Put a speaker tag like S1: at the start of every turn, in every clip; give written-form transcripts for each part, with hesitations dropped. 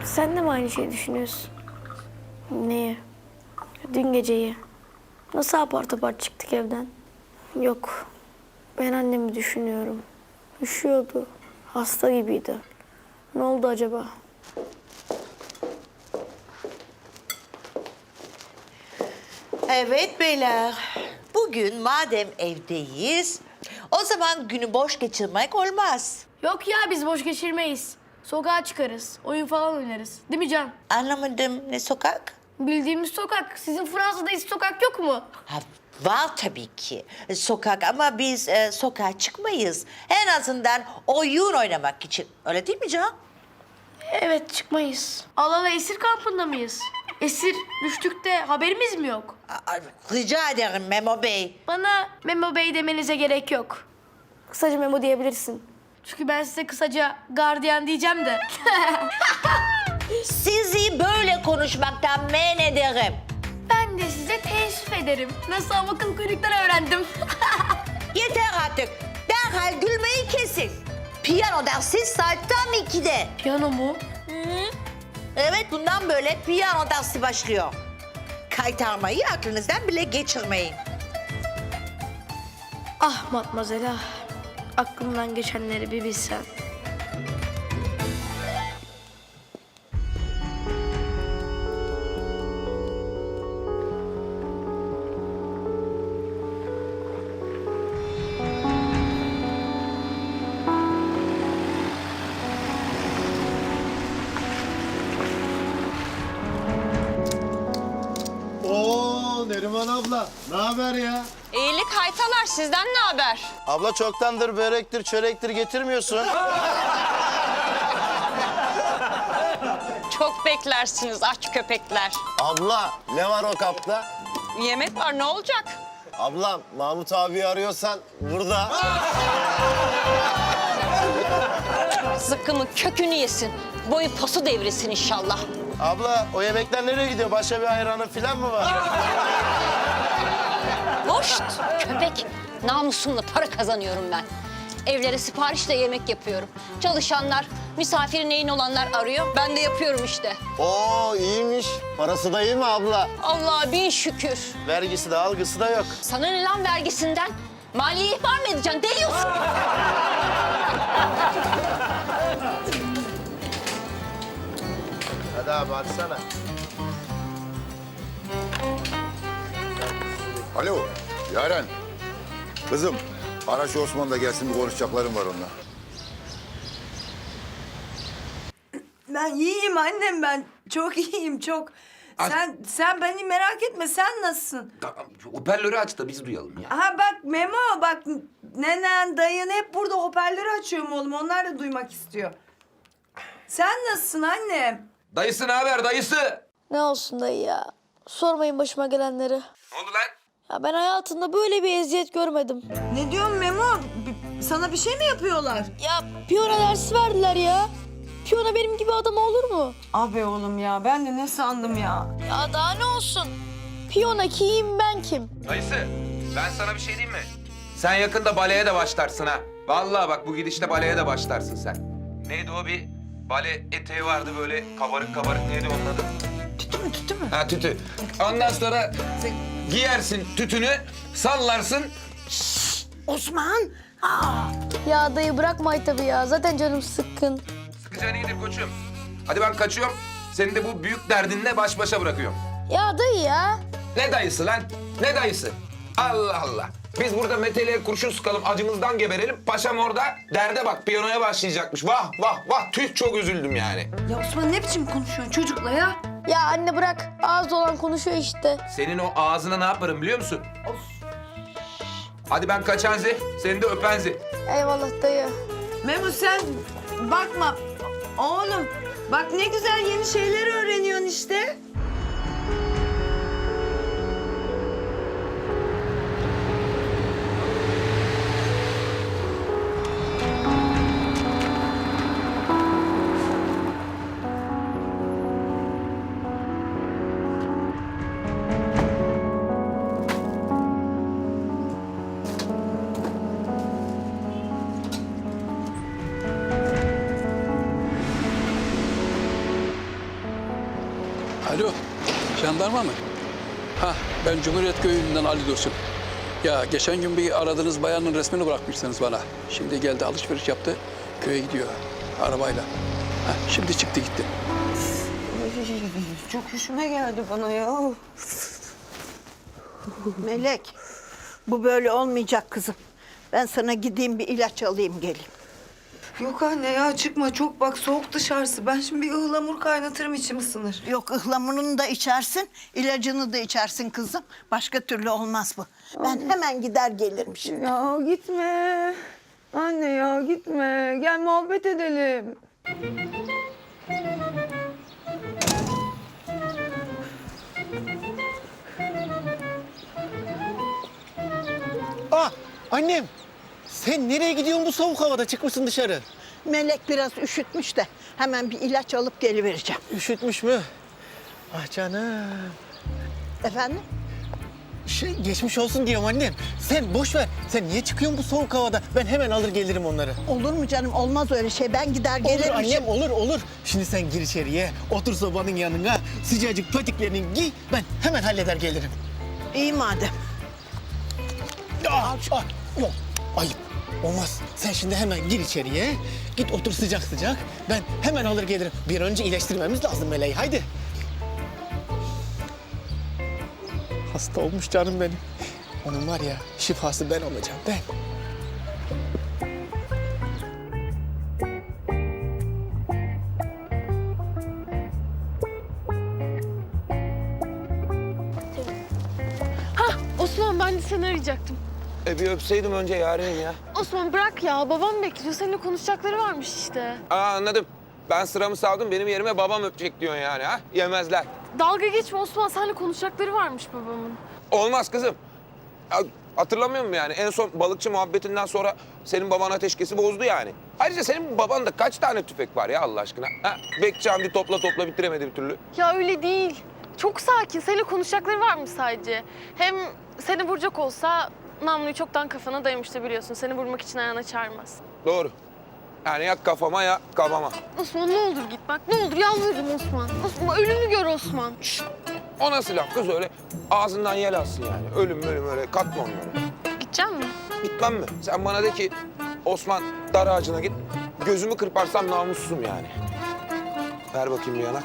S1: Sen de mi aynı şeyi düşünüyorsun? Neyi? Dün geceyi. Nasıl apar topar çıktık evden? Yok. Ben annemi düşünüyorum. Üşüyordu. Hasta gibiydi. Ne oldu acaba?
S2: Evet beyler. Bugün madem evdeyiz, o zaman günü boş geçirmek olmaz.
S1: Yok ya, biz boş geçirmeyiz. Sokağa çıkarız. Oyun falan oynarız. Değil mi Can?
S2: Anlamadım, ne sokak?
S1: Bildiğimiz sokak. Sizin Fransa'da hiç sokak yok mu?
S2: Ha, var tabii ki sokak ama biz sokağa çıkmayız. En azından oyun oynamak için. Öyle değil mi Can?
S1: Evet, çıkmayız. Allah esir kampında mıyız? Esir düştük de haberimiz mi yok?
S2: Rica ederim Memo Bey.
S1: Bana Memo Bey demenize gerek yok. Kısaca Memo diyebilirsin. Çünkü ben size kısaca gardiyan diyeceğim de.
S2: Sizi böyle konuşmaktan men ederim.
S1: Ben de size teessüf ederim. Nasıl akıl kuyrukları öğrendim.
S2: Yeter artık. Derhal gülmeyi kesin. Piyano dersi saat tam 2'de.
S1: Piyano mu?
S2: Evet, bundan böyle piyano dersi başlıyor. Kaytarmayı aklınızdan bile geçirmeyin.
S1: Ah matmazel ah. Aklımdan geçenleri bir bilsen.
S3: Oo Neriman abla, ne haber ya?
S4: İyilik haytalar, sizden ne haber?
S3: Abla çoktandır börektir, çörektir getirmiyorsun.
S4: Çok beklersiniz aç köpekler.
S3: Abla, ne var o kapta?
S4: Yemek var, ne olacak?
S3: Abla, Mahmut abi arıyorsan burada.
S4: Zıkkımın kökünü yesin. Boyu posu devrilsin inşallah.
S3: Abla, o yemekler nereye gidiyor? Başka bir hayranın falan mı var?
S4: Hoşt köpek. Namusumla para kazanıyorum ben. Evlere siparişle yemek yapıyorum. Çalışanlar, misafiri neyin olanlar arıyor. Ben de yapıyorum işte.
S3: Oo iyiymiş. Parası da iyi mi abla?
S4: Allah'a bin şükür.
S3: Vergisi de algısı da yok.
S4: Sana ne lan vergisinden? Maliye ihbar mı edeceksin? Deliyorsun.
S3: Hadi abi açsana.
S5: Alo, Yaren. Kızım, ara şu Osman da gelsin, bir konuşacaklarım var onunla.
S6: Ben iyiyim annem ben. Çok iyiyim çok. Sen beni merak etme. Sen nasılsın?
S7: Tamam, şu hoparlörü aç da biz duyalım ya.
S6: Ha bak Memo bak nenen dayın hep burada hoparlörü açıyorum oğlum. Onlar da duymak istiyor. Sen nasılsın annem?
S7: Dayısı ne haber dayısı?
S1: Ne olsun dayı ya. Sormayın başıma gelenleri.
S7: Ne oldu lan?
S1: Ya ben hayatımda böyle bir eziyet görmedim.
S6: Ne diyorsun Memo? Sana bir şey mi yapıyorlar?
S1: Ya piyano dersi verdiler ya. Piyano benim gibi adam olur mu?
S6: Abi oğlum ya ben de ne sandım ya?
S1: Ya daha ne olsun? Piyano kim ben kim?
S7: Dayısı, ben sana bir şey diyeyim mi? Sen yakında baleye de başlarsın ha. Vallahi bak bu gidişle baleye de başlarsın sen. Neydi o bir bale eteği vardı böyle kabarık kabarık, neydi onun adı?
S6: Tütü mü?
S7: Ha tütü. Ondan sonra sen giyersin tütünü, sallarsın.
S6: Osman!
S1: Ya dayı bırakma tabii ya. Zaten canım sıkkın.
S7: Sıkacağını gidip koçum. Hadi ben kaçıyorum. Seni de bu büyük derdinle baş başa bırakıyorum.
S1: Ya dayı ya.
S7: Ne dayısı lan? Ne dayısı? Allah Allah. Biz burada Meteli'ye kurşun sıkalım, acımızdan geberelim. Paşam orada derde bak, piyanoya başlayacakmış. Vah vah vah, tüh çok üzüldüm yani.
S6: Ya Osman ne biçim konuşuyorsun çocukla ya?
S1: Ya anne bırak. Ağız olan konuşuyor işte.
S7: Senin o ağzına ne yaparım biliyor musun? Hadi ben kaçanzi, seni de öpenzi.
S1: Eyvallah dayı.
S6: Memo sen bakma. Oğlum bak ne güzel yeni şeyler öğreniyorsun işte.
S8: Alo, jandarma mı? Ha, ben Cumhuriyet Köyü'nden Ali Dursun. Ya geçen gün bir aradığınız bayanın resmini bırakmışsınız bana. Şimdi geldi, alışveriş yaptı, köye gidiyor arabayla. Ha, şimdi çıktı gitti.
S9: Çok hoşuma geldi bana ya. Melek, bu böyle olmayacak kızım. Ben sana gideyim bir ilaç alayım geleyim.
S6: Yok anne ya çıkma çok bak soğuk dışarısı. Ben şimdi bir ıhlamur kaynatırım içim ısınır.
S9: Yok ıhlamurunu da içersin, ilacını da içersin kızım. Başka türlü olmaz bu. Ben hemen gider gelirim şimdi.
S6: Ya gitme. Anne ya gitme. Gel muhabbet edelim.
S10: Ah annem sen nereye gidiyorsun bu soğuk havada çıkmışsın dışarı?
S9: Melek biraz üşütmüş de hemen bir ilaç alıp gelivereceğim.
S10: Üşütmüş mü? Ah canım.
S9: Efendim?
S10: Geçmiş olsun diyorum annem. Sen boş ver. Sen niye çıkıyorsun bu soğuk havada? Ben hemen alır gelirim onları.
S9: Olur mu canım? Olmaz öyle şey. Ben gider
S10: Olur
S9: gelirim.
S10: annem olur. Şimdi sen gir içeriye. Otur sobanın yanına. Sıcacık patiklerini giy. Ben hemen halleder gelirim.
S9: İyi madem.
S10: Yok ayıp. Olmaz. Sen şimdi hemen gir içeriye. Git otur sıcak sıcak. Ben hemen alır gelirim. Bir önce iyileştirmemiz lazım Meleği. Haydi. Hasta olmuş canım benim. Onun var ya şifası ben olacağım ben.
S11: Osman ben de seni arayacaktım.
S7: Bir öpseydim önce Yaren'im ya.
S11: Osman bırak ya babam bekliyor. Seninle konuşacakları varmış işte.
S7: Anladım. Ben sıramı savdım, benim yerime babam öpecek diyorsun yani ha? Yemezler.
S11: Dalga geçme Osman. Seninle konuşacakları varmış babamın.
S7: Olmaz kızım. Ya, hatırlamıyor musun yani? En son balıkçı muhabbetinden sonra senin baban ateşkesi bozdu yani. Ayrıca senin babanda kaç tane tüfek var ya Allah aşkına? Ha? Bekçi Hamdi topla bitiremedi bir türlü.
S11: Ya öyle değil. Çok sakin. Seninle konuşacakları varmış sadece. Hem seni vuracak olsa namluyu çoktan kafana dayamıştı biliyorsun. Seni vurmak için ayağına çağırmaz.
S7: Doğru. Yani ya kafama ya kafama.
S11: Osman ne olur git bak. Ne olur yalvarırım Osman. Osman ölümü gör Osman.
S7: O nasıl laf kız öyle? Ağzından yel alsın yani. Ölüm öyle katma onları.
S11: Gidecek misin?
S7: Gitmem mi? Sen bana de ki Osman dar ağacına git. Gözümü kırparsam namussuzum yani. Ver bakayım bir yanak.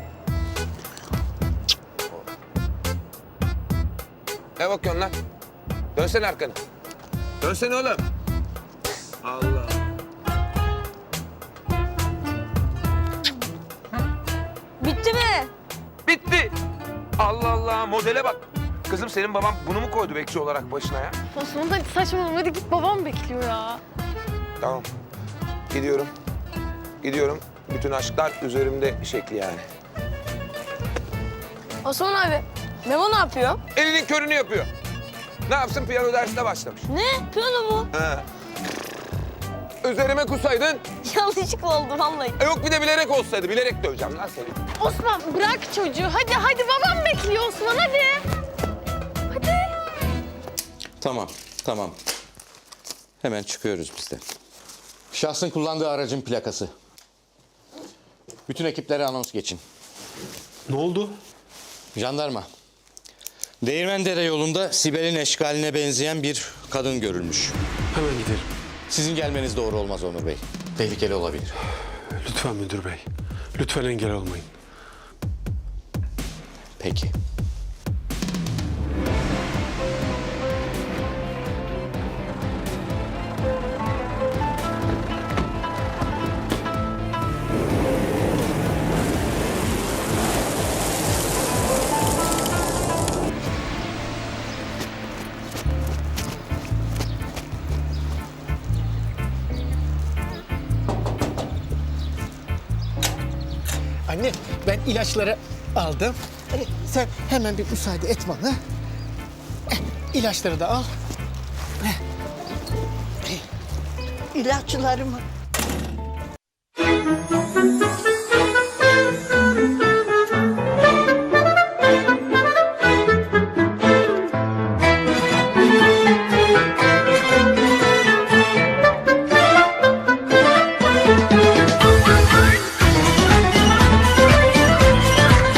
S7: Ne bakıyorsun lan? Dönsene arkanı. Dönsene oğlum. Allah.
S11: Bitti mi?
S7: Bitti. Allah Allah modele bak. Kızım senin baban bunu mu koydu bekçi olarak başına ya?
S11: Osman hadi saçmalama. Hadi git babam bekliyor ya.
S7: Tamam. Gidiyorum. Gidiyorum. Bütün aşklar üzerimde şekli yani.
S11: Osman abi. Memo ne yapıyor?
S7: Elinin körünü yapıyor. Ne yapsın piyano dersine başlamış.
S11: Ne? Piyano mu?
S7: He. Üzerime kusaydın.
S11: Yanlışlıkla oldu vallahi.
S7: Yok bir de bilerek olsaydı. Bilerek döveceğim lan seni.
S11: Osman bırak çocuğu. Hadi babam bekliyor Osman hadi. Hadi.
S12: Tamam. Hemen çıkıyoruz biz de. Şahsın kullandığı aracın plakası. Bütün ekiplere anons geçin.
S3: Ne oldu?
S12: Jandarma. Değirmendere yolunda Sibel'in eşkaline benzeyen bir kadın görülmüş.
S3: Hemen gidelim.
S12: Sizin gelmeniz doğru olmaz Onur Bey. Tehlikeli olabilir.
S3: Lütfen müdür bey. Lütfen engel olmayın.
S12: Peki.
S10: Anne ben ilaçları aldım. Sen hemen bir müsaade et bana. İlaçları da al.
S9: İlaçlarımı